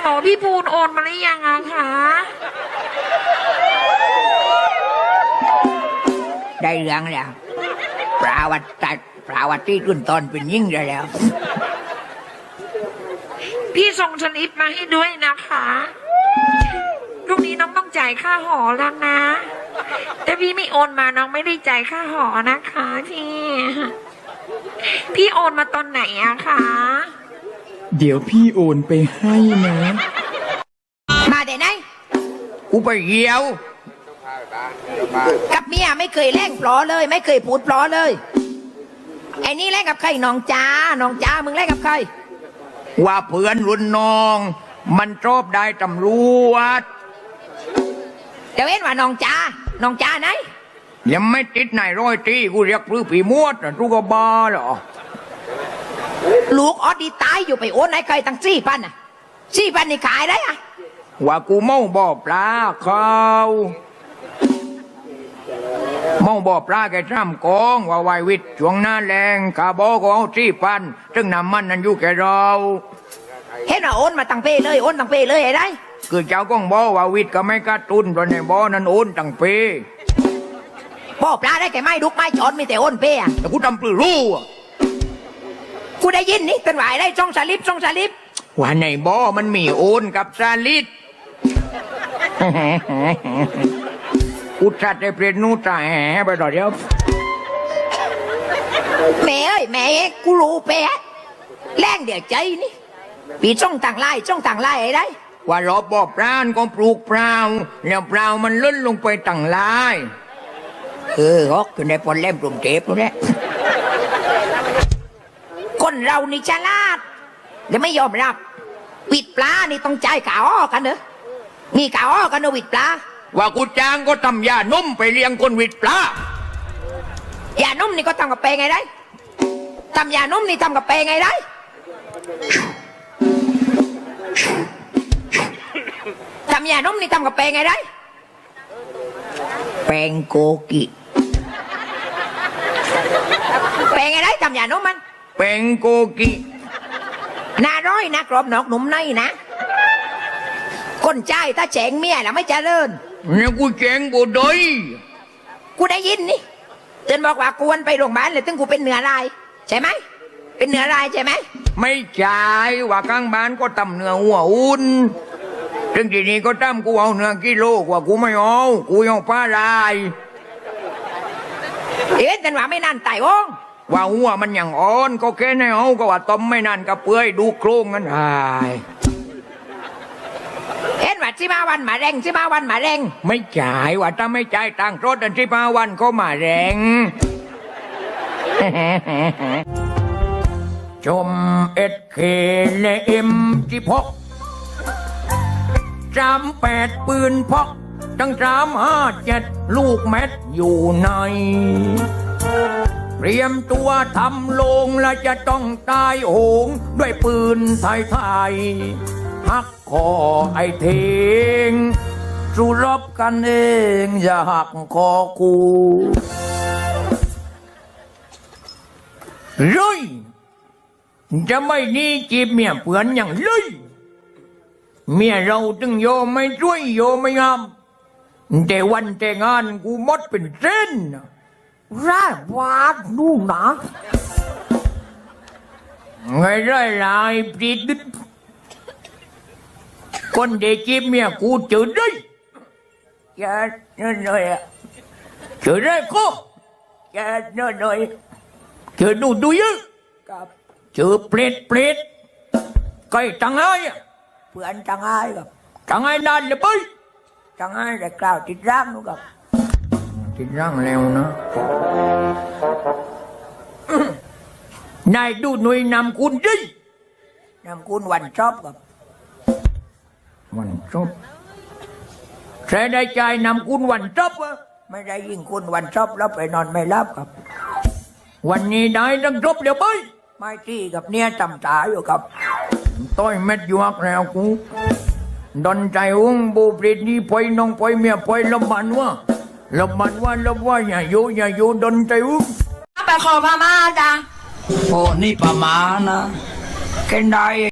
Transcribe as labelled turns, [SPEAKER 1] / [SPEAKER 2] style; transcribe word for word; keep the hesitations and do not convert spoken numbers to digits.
[SPEAKER 1] โหลพี่ภูนโอนมาหรือยังอะคะ
[SPEAKER 2] ได้เรื่องแล้วปราวัติปราวัติรุ่นตอนเป็นยิ่งได้แล้ว
[SPEAKER 1] พี่ส่งสลิปมาให้ด้วยนะคะพรุ่งนี้น้องต้องจ่ายค่าหอแล้วนะแต่พี่ไม่โอนมาน้องไม่ได้จ่ายค่าหอนะคะพี่พี่โอนมาตอนไหนอะคะ
[SPEAKER 3] เดี๋ยวพี่โอนไปให้นะ
[SPEAKER 2] มาแต่ไหน
[SPEAKER 4] กูไปเหี่ยว
[SPEAKER 2] กับเมียไม่เคยแล่งปลอเลยไม่เคยพูดปลอเลยไอ้นี่แล่งกับใครน้องจ้าน้องจ้ามึงแล่งกับใคร
[SPEAKER 4] ว่าเพื่อนรุ่นน้องมันชอบได้ตำรวจ
[SPEAKER 2] เดี๋ยวเอ็นว่าน้องจ้าน้องจ้าไหน
[SPEAKER 4] ยังไม่ติดไหนร้อยตีกูเรียกพื้นผีมวดนะทุกบ้าเหรอ
[SPEAKER 2] ลูกออดดีตายอยู่ไปโอนไหนใครตั้งสี่พันอ่ะสี่พันนี่ขายได้อะ
[SPEAKER 4] ว่ากูเมาบ่อปลาเขาเมาบ่อปลาแกจ้ำกองว่าไววิทย์ช่วงหน้าแรงกาบอกก็เอาสี่พันซึ่งน้ำมันนั้นอยู่แกเรา
[SPEAKER 2] เห็นว่าโอนมาตั้งเป้เลยโอนตั้งเป้เลยไอ้ได้
[SPEAKER 4] คือเจ้าก้องบอกว่าวิทย์ก็ไม่กระตุ้นเพราะในบ่อนั้นโอนตั้งเป้
[SPEAKER 2] บ่อปลาได้แกไม่ดุกไม่จอดมีแต่โอนเป้อะ
[SPEAKER 4] แต่กูทำปลื้รู้อ่ะ
[SPEAKER 2] กูได้ยินนี่เป็นหวายได้ช่องสลิปช่องสลิป
[SPEAKER 4] ว่าในบ่อมันมีโอนกับซาลิดกูชัดได้เปลี่ยนนู่นจ่าแห่ไปต่อเดียว
[SPEAKER 2] แม่เอ้ยแม่กูรู้เป้แรงเดี๋ยวใจนี่ปีช่องต่างไล่ช่องต่างไล่ไอ้ได้
[SPEAKER 4] ว่ารอบบ่อปลาก็ปลูกเปล่าแล้วเปล่ามันล้นลงไปต่างไล่
[SPEAKER 2] เออฮอกอยู่ในปนเล่มกลุ่มเจ็บตรงนี้คนเรานี่ฉลาดและไม่ยอมรับวิดปลานี่ต้องใจข่าวอ้อกันเนอะมีข่าวอ้อกันเนอะวิดปลา
[SPEAKER 4] ว่ากูจ้างก็ทำยานุ่มไปเลี้ยงคนวิดปลาย
[SPEAKER 2] านุ่มนี่ก็ทำกับเปไงได้ทำยานุ่มนี่ทำกับเปไงได้ทำยานุ่มนี่ทำกับเปไงได้
[SPEAKER 4] แปงโกกิ
[SPEAKER 2] เปไงได้ทำยานุ่มมัน
[SPEAKER 4] แปงโกกิ
[SPEAKER 2] น่าร้อยนะกรอบนอกหนุ่มในนะคนใจถ้าแฉงเมียแล้วไม่เจริญ
[SPEAKER 4] เนี่ยกูแฉงบ่ได้
[SPEAKER 2] กูได้ยินนี่เตือนบอกว่ากวนไปโรงพยาบาลเลยตึงกูเป็นเหนือลายใช่ไหมเป็นเหนือลายใช่ไหม
[SPEAKER 4] ไม่ใช่ว่าข้างบ้านก็ตำเนื้อหัวอุ่นถึงทีนี้ก็ตำกูเอาเนื้อกิโลกว่ากูไม่เอากูเอาปลาลาย
[SPEAKER 2] เอ๊ะแต่ว่าไม่นานตายวง
[SPEAKER 4] ว่าหัวมันอย่างอ่อนก็แค่ในเอาก็ว่าต้มไม่นานก็เปื่อยดูโครงกันหาย
[SPEAKER 2] เห็นว่าสิบห้าวันมาแรงสิบห้าวันมาแรง
[SPEAKER 4] ไม่จ่ายว่าถ้าไม่จ่ายตังค์รถอันสิบห้าวันก็มาแรงชมเอ็ดเคเลเอ็มสิบหกจำแปดปืนพกตั้งสามห้าเจ็ดลูกแม็ดอยู่ในเตรียมตัวทำลงและจะต้องตายโหงด้วยปืนไทยไทยหักคอไอ้เทงสู้รบกันเองอย่าหักคอกูเลยจะไม่นี่จีบเมียเปือนอย่างเลยเมียเราตึงโยไม่ช่วยโยไม่งามแต่วันแต่งงานกูมดเป็นเส้นร่าวาดนู่นนะไงไรลายปรีดคนเด็กจีบเมียกูเจอได้อย่าเนินหน่อยเจอได้ก็อย่าเนินหน่อยเจอดูดูเยอะเจอเปรตเปรตใกล้ตังไง
[SPEAKER 2] เพื่อนจังไงกับ
[SPEAKER 4] จังไงนานเลยไป
[SPEAKER 2] จังไงแต่กล่าวติดร่างนู้กับ
[SPEAKER 4] ติดร่างแล้วนะนายดูหน่วยนำคุณดิ
[SPEAKER 2] นำคุณวันชอบกับ
[SPEAKER 4] วันชอบใช้ได้ใจนำคุณวันชอบวะ
[SPEAKER 2] ไม่ได้ยิ่งคุณวันชอบแล้วไปนอนไม่รับกับ
[SPEAKER 4] วันนี้ได้ต้องจบเดี๋ยวไป
[SPEAKER 2] ไม่ที่กับเนี่ยจำตาอยู่กับ
[SPEAKER 4] ต้อยเม็ดยวกแล้วกูดนใจอุ้งบูปริดนี่ปอยน้องปอยเมียปอยลำมันวะลำมันว่าลำว่าอย่าโยอย่าโยดนใจอุ้ง
[SPEAKER 2] ไปขอพม่าจ้ะ
[SPEAKER 4] โอ้นี่ประมาณนะแค่ได้